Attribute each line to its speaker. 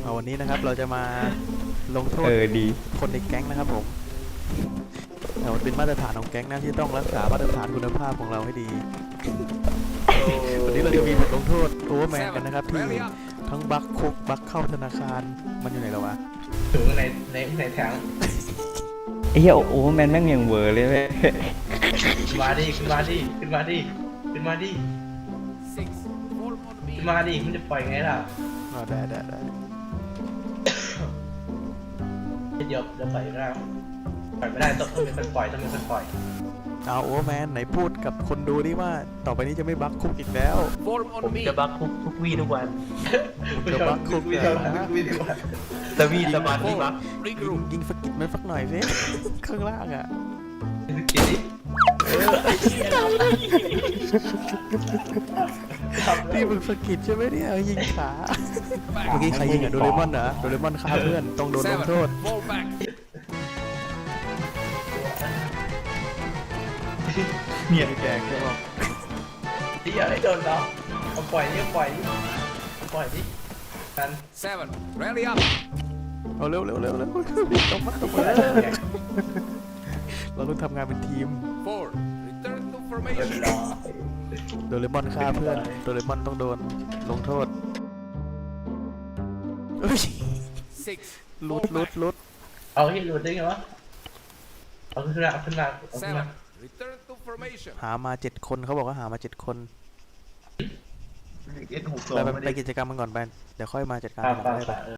Speaker 1: วันนี้นะครับเราจะมาลงโทษ
Speaker 2: ดี
Speaker 1: คนในแก๊งนะครับผมมันเป็นมาตรฐานของแก๊งนะที่ต้องรักษามาตรฐานคุณภาพของเราให้ดีวันนี้เราจะมีบทลงโทษโอเวอร์แมนกันนะครับที่ทั้งบัคคุกบัคเข้าธนาคารมันอยู่ไหนแล้ววะ
Speaker 3: ถึงในแทง
Speaker 2: ไอ้เหี้ยโอ้แมนแม่งยังเวอร์เลยเว้ย
Speaker 3: ขึ้นมาดิขึ้นมาดิขึ้นมาดิขึ้นมาดิขึ้นมาดิมันจะปล่อยไงล่ะ
Speaker 1: ได้
Speaker 3: เดี๋ยวปล่อยได้ปล่อยไม่ได้ต้องเป็นคนปล่อยต้องเป็นคนปล่อย
Speaker 1: เอาโอเวอร์แมนไหนพูดกับคนดูดิว่าต่อไปนี้จะไม่บัคคุกอีกแล้ว
Speaker 4: ผมจะบักทุกวี่ทุกวัน
Speaker 1: จะบัคคุกเลยนะ
Speaker 4: สวีสมาธิบัก
Speaker 1: ยิงสกิดมันสักหน่อยสิข้างล่างอ่ะ
Speaker 3: กินดิ
Speaker 1: นี่มึงสกิดใช่ไหมเนี่ยยิงขาเมื่อกี้ใครยิงอ่ะโดเรมอนเหรอโดเรมอนฆ่าเพื่อนต้องโดนลงโทษ
Speaker 4: เนี่ยแกงก็
Speaker 3: ดิอย่าให้โดนเราเอาปล่อยดิปล่อยดิกัน
Speaker 1: rally up เอาเร็วต้องมาเราต้องทำงานเป็นทีมโดเรมอนฆ่าเพื่อนโดเรมอนต้องโดนลงโทษลุด
Speaker 3: เอาที่หลุดได้ไงวะเอาขึ้นมา
Speaker 1: หามา7 คนเขาบอกว่าหามา7 คนไปกิจกรรมมันก่อนไปเดี๋ยวค่อยมาจัดการ